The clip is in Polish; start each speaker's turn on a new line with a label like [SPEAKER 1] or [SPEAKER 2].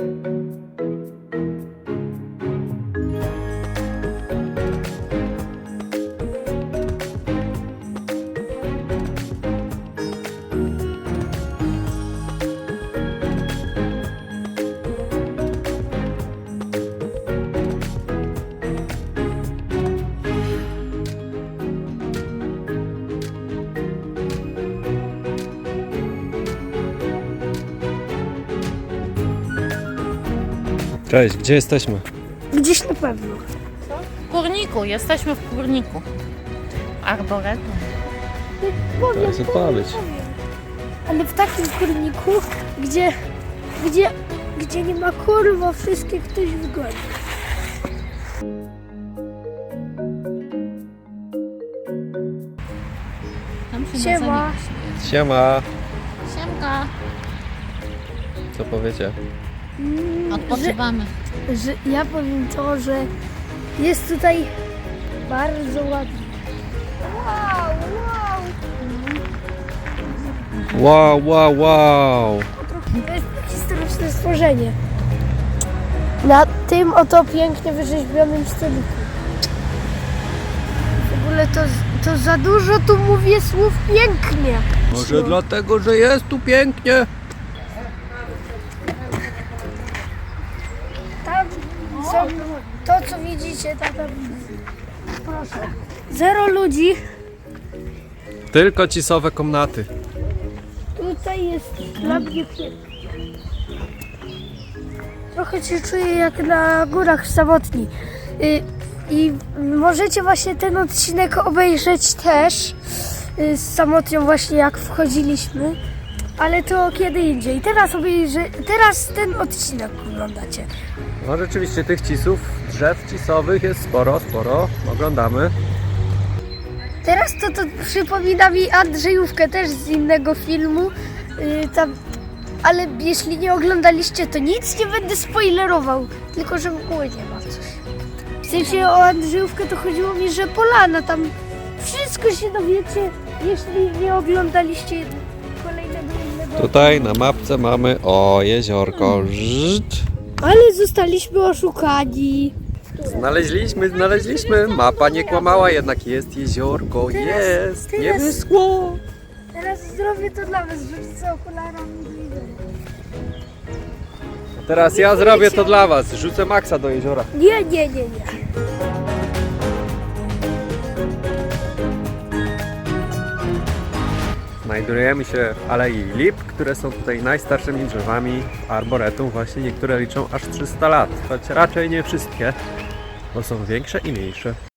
[SPEAKER 1] Cześć, gdzie jesteśmy?
[SPEAKER 2] Gdzieś na pewno.
[SPEAKER 3] W kurniku, jesteśmy w kurniku. Arboretum.
[SPEAKER 2] Powiem,
[SPEAKER 1] jest odpowiedź.
[SPEAKER 2] Ale w takim kurniku, gdzie nie ma kurwa, wszystkie ktoś wgoni.
[SPEAKER 3] Tam się
[SPEAKER 2] Siema.
[SPEAKER 3] na zanik śmieje.
[SPEAKER 1] Siema!
[SPEAKER 3] Siemka.
[SPEAKER 1] Co powiecie?
[SPEAKER 3] Odpoczywamy.
[SPEAKER 2] Że ja powiem to, że jest tutaj bardzo ładnie. Wow, wow.
[SPEAKER 1] Wow, wow, wow!
[SPEAKER 2] To jest historyczne stworzenie. Na tym oto pięknie wyrzeźbionym stoliku. W ogóle to za dużo tu mówię słów pięknie.
[SPEAKER 1] Może dlatego, że jest tu pięknie?
[SPEAKER 2] Tam są to, co widzicie, tam. Proszę. 0 ludzi.
[SPEAKER 1] Tylko cisowe komnaty.
[SPEAKER 2] Tutaj jest dla mnie pięknie. Trochę się czuję jak na górach samotni. I możecie właśnie ten odcinek obejrzeć też z samotnią właśnie jak wchodziliśmy. Ale to kiedy indziej. Teraz ten odcinek oglądacie.
[SPEAKER 1] No rzeczywiście tych cisów, drzew cisowych jest sporo. Oglądamy.
[SPEAKER 2] Teraz to przypomina mi Andrzejówkę też z innego filmu. Ale jeśli nie oglądaliście, to nic nie będę spoilerował. Tylko, że mgły nie ma coś. W sensie o Andrzejówkę to chodziło mi, że polana, tam wszystko się dowiecie, jeśli nie oglądaliście kolejnego innego.
[SPEAKER 1] Tutaj na mapce mamy jeziorko. Żt.
[SPEAKER 2] Ale zostaliśmy oszukani.
[SPEAKER 1] Znaleźliśmy. Mapa nie kłamała, jednak jest jeziorko. Jest. Nie
[SPEAKER 2] teraz-
[SPEAKER 1] wyschło.
[SPEAKER 2] Teraz zrobię to dla was, rzucę okularami do widzenia.
[SPEAKER 1] Teraz ja zrobię to dla was. Rzucę Maxa do jeziora.
[SPEAKER 2] Nie.
[SPEAKER 1] Znajdujemy się w Alei Lip, które są tutaj najstarszymi drzewami arboretum. Właśnie niektóre liczą aż 300 lat, choć raczej nie wszystkie, bo są większe i mniejsze.